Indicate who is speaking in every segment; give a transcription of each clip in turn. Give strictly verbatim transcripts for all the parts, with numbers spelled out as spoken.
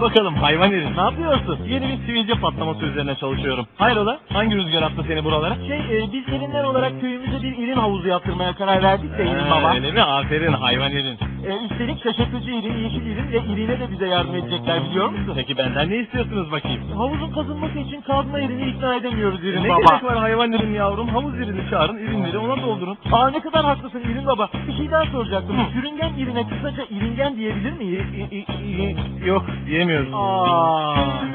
Speaker 1: bakalım hayvan herif, ne yapıyorsun? Yeni bir sivilce patlaması üzerine çalışıyorum. Hayrola? Hangi rüzgar attı seni buralara?
Speaker 2: Şey, e, biz irinler olarak köyümüze bir irin havuzu yaptırmaya karar verdik de irin
Speaker 1: Ee,
Speaker 2: baba.
Speaker 1: öyle mi? Aferin hayvan irin.
Speaker 2: E, üstelik şaşırtıcı irin, yeşil irin ve irine de bize yardım edecekler, biliyor musun?
Speaker 1: Peki benden ne istiyorsunuz bakayım?
Speaker 2: Havuzun kazınması için kazma irini ikna edemiyoruz irin
Speaker 1: Ne
Speaker 2: baba.
Speaker 1: gerek var hayvan irin yavrum? Havuz irini çağırın, irinleri ona doldurun.
Speaker 2: Aa, ne kadar haklısın irin baba. Bir şey daha soracaktım.
Speaker 1: Hı.
Speaker 2: Sürüngen irine kısaca iringen diyebilir miyiz?
Speaker 1: İ- i- i- Yok, diyemiyoruz.
Speaker 2: Aa.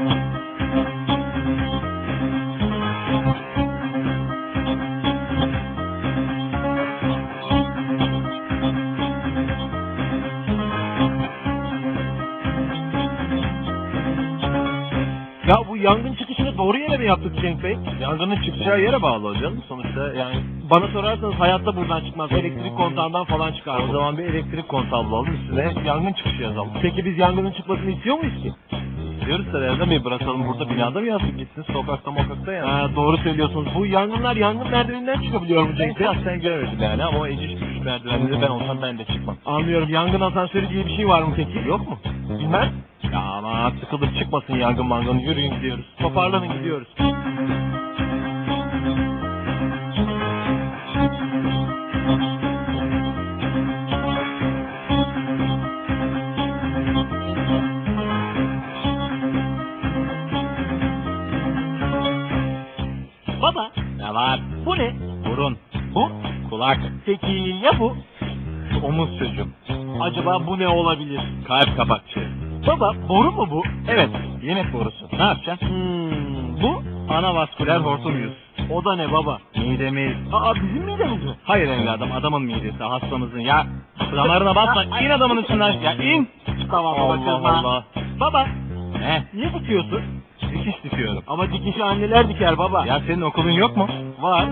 Speaker 2: Ya bu yangın çıkışını doğru yere mi yaptık Cenk Bey?
Speaker 1: Yangının çıkacağı yere bağlı hocam. Sonuçta yani
Speaker 2: Bana sorarsanız hayatta buradan çıkmaz. Elektrik kontağından falan çıkar.
Speaker 1: o zaman bir elektrik kontağı bulalım, üstüne yangın çıkışı yazalım.
Speaker 2: Peki biz yangının çıkmasını istiyor muyuz ki?
Speaker 1: Diyoruz da Erdem Bey, bırakalım burada binada mı yazdık gitsin, sokakta mokakta yani.
Speaker 2: Ha, doğru söylüyorsunuz. Bu yangınlar yangın merdiveninden çıkabiliyor mu
Speaker 1: Ben
Speaker 2: Cenk Bey?
Speaker 1: şahsen göremedim yani ama o eciş büyük merdivenleri ben olsam ben de çıkmam.
Speaker 2: Anlıyorum. Yangın asansörü diye bir şey var mı peki?
Speaker 1: Yok mu?
Speaker 2: Bilmem.
Speaker 1: Ya ama sıkılıp çıkmasın yangın mangın, yürüyün gidiyoruz.
Speaker 2: Toparlanın gidiyoruz. Baba,
Speaker 1: Ne var?
Speaker 2: bu ne?
Speaker 1: Burun,
Speaker 2: Bu?
Speaker 1: kulak,
Speaker 2: Peki ya bu?
Speaker 1: omuz çocuğum,
Speaker 2: Acaba bu ne olabilir?
Speaker 1: kalp kapakçığı.
Speaker 2: Baba, boru mu bu?
Speaker 1: Evet, yemek borusu. Ne yapacaksın?
Speaker 2: Hmm, bu?
Speaker 1: Anavasküler hortum yüz.
Speaker 2: O da ne baba?
Speaker 1: Midemiz.
Speaker 2: Aa, bizim midemiz mi?
Speaker 1: Hayır evladım, adamın midesi, hastamızın. Ya damarına basma, in adamın üstünden. Ya in.
Speaker 2: Tamam baba,
Speaker 1: Allah
Speaker 2: kızma.
Speaker 1: Allah.
Speaker 2: Baba,
Speaker 1: Ne?
Speaker 2: niye dikiyorsun?
Speaker 1: Dikiş dikiyorum.
Speaker 2: Ama dikişi anneler diker baba.
Speaker 1: Ya senin okulun yok mu?
Speaker 2: Var.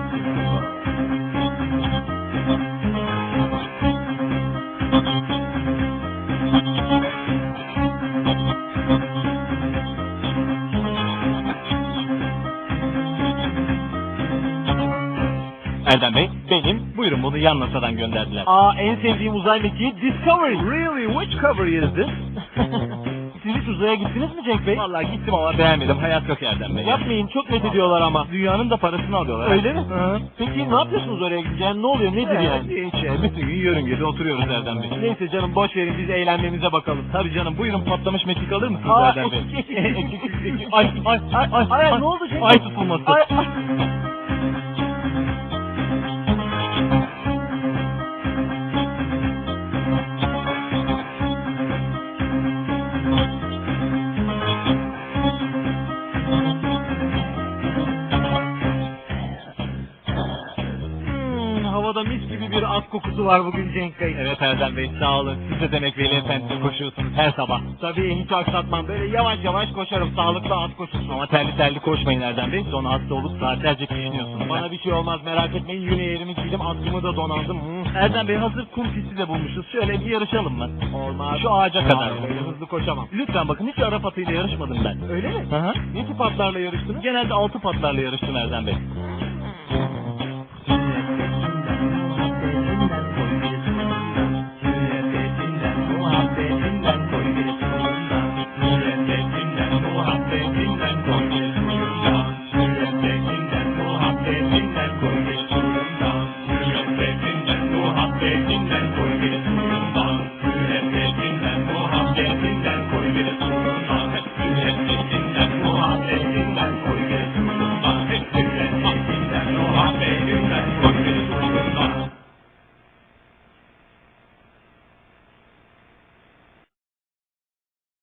Speaker 1: Erdem Bey,
Speaker 2: Benim.
Speaker 1: buyurun bunu yan masadan gönderdiler.
Speaker 2: Aa, en sevdiğim uzay mekiği Discovery.
Speaker 1: Really? Which cover is this?
Speaker 2: Siz hiç uzaya gittiniz mi Cenk Bey?
Speaker 1: Vallahi gittim ama beğenmedim. Hayat yok Erdem Bey.
Speaker 2: Yapmayın, çok net ediyorlar ama.
Speaker 1: Dünyanın da parasını alıyorlar.
Speaker 2: Öyle mi?
Speaker 1: Hı.
Speaker 2: Peki ne yapıyorsunuz oraya gidince? Yani ne oluyor, nedir
Speaker 1: Evet,
Speaker 2: yani?
Speaker 1: hiç ya. Bütün gün yörüngede oturuyoruz Erdem Bey.
Speaker 2: Neyse canım, boş verin, biz eğlenmemize bakalım.
Speaker 1: Tabii canım, buyurun patlamış mekik alır mısınız
Speaker 2: Aa,
Speaker 1: Erdem Bey?
Speaker 2: ay, ay, ay, ay, ay, ne oldu Cenk Bey?
Speaker 1: Ay tutulması.
Speaker 2: Ay, ay. Hmm, havada mis gibi bir at kokusu var bugün Cenk Bey.
Speaker 1: Evet Erdem Bey, sağ olun. Siz de demek Veli Efendi'ye koşuyorsunuz her sabah.
Speaker 2: Tabii hiç aksatmam. Böyle yavaş yavaş koşarım. Sağlıklı at koşusu.
Speaker 1: Ama terli terli koşmayın Erdem Bey. Sonra hasta olup saatlerce kişniyorsunuz.
Speaker 2: Bana bir şey olmaz, merak etmeyin. Yine yerimi giydim, atkımı da donandım. Hmm.
Speaker 1: Erdem Bey, hazır kum pisti de bulmuşuz. Şöyle bir yarışalım mı?
Speaker 2: Olmaz.
Speaker 1: Şu ağaca kadar.
Speaker 2: Hayır, öyle hızlı koşamam.
Speaker 1: Lütfen bakın, hiç Arap atıyla yarışmadım ben.
Speaker 2: Öyle mi?
Speaker 1: Hı hı.
Speaker 2: Ne tip atlarla yarıştınız?
Speaker 1: Genelde altı patlarla yarıştım Erdem Bey.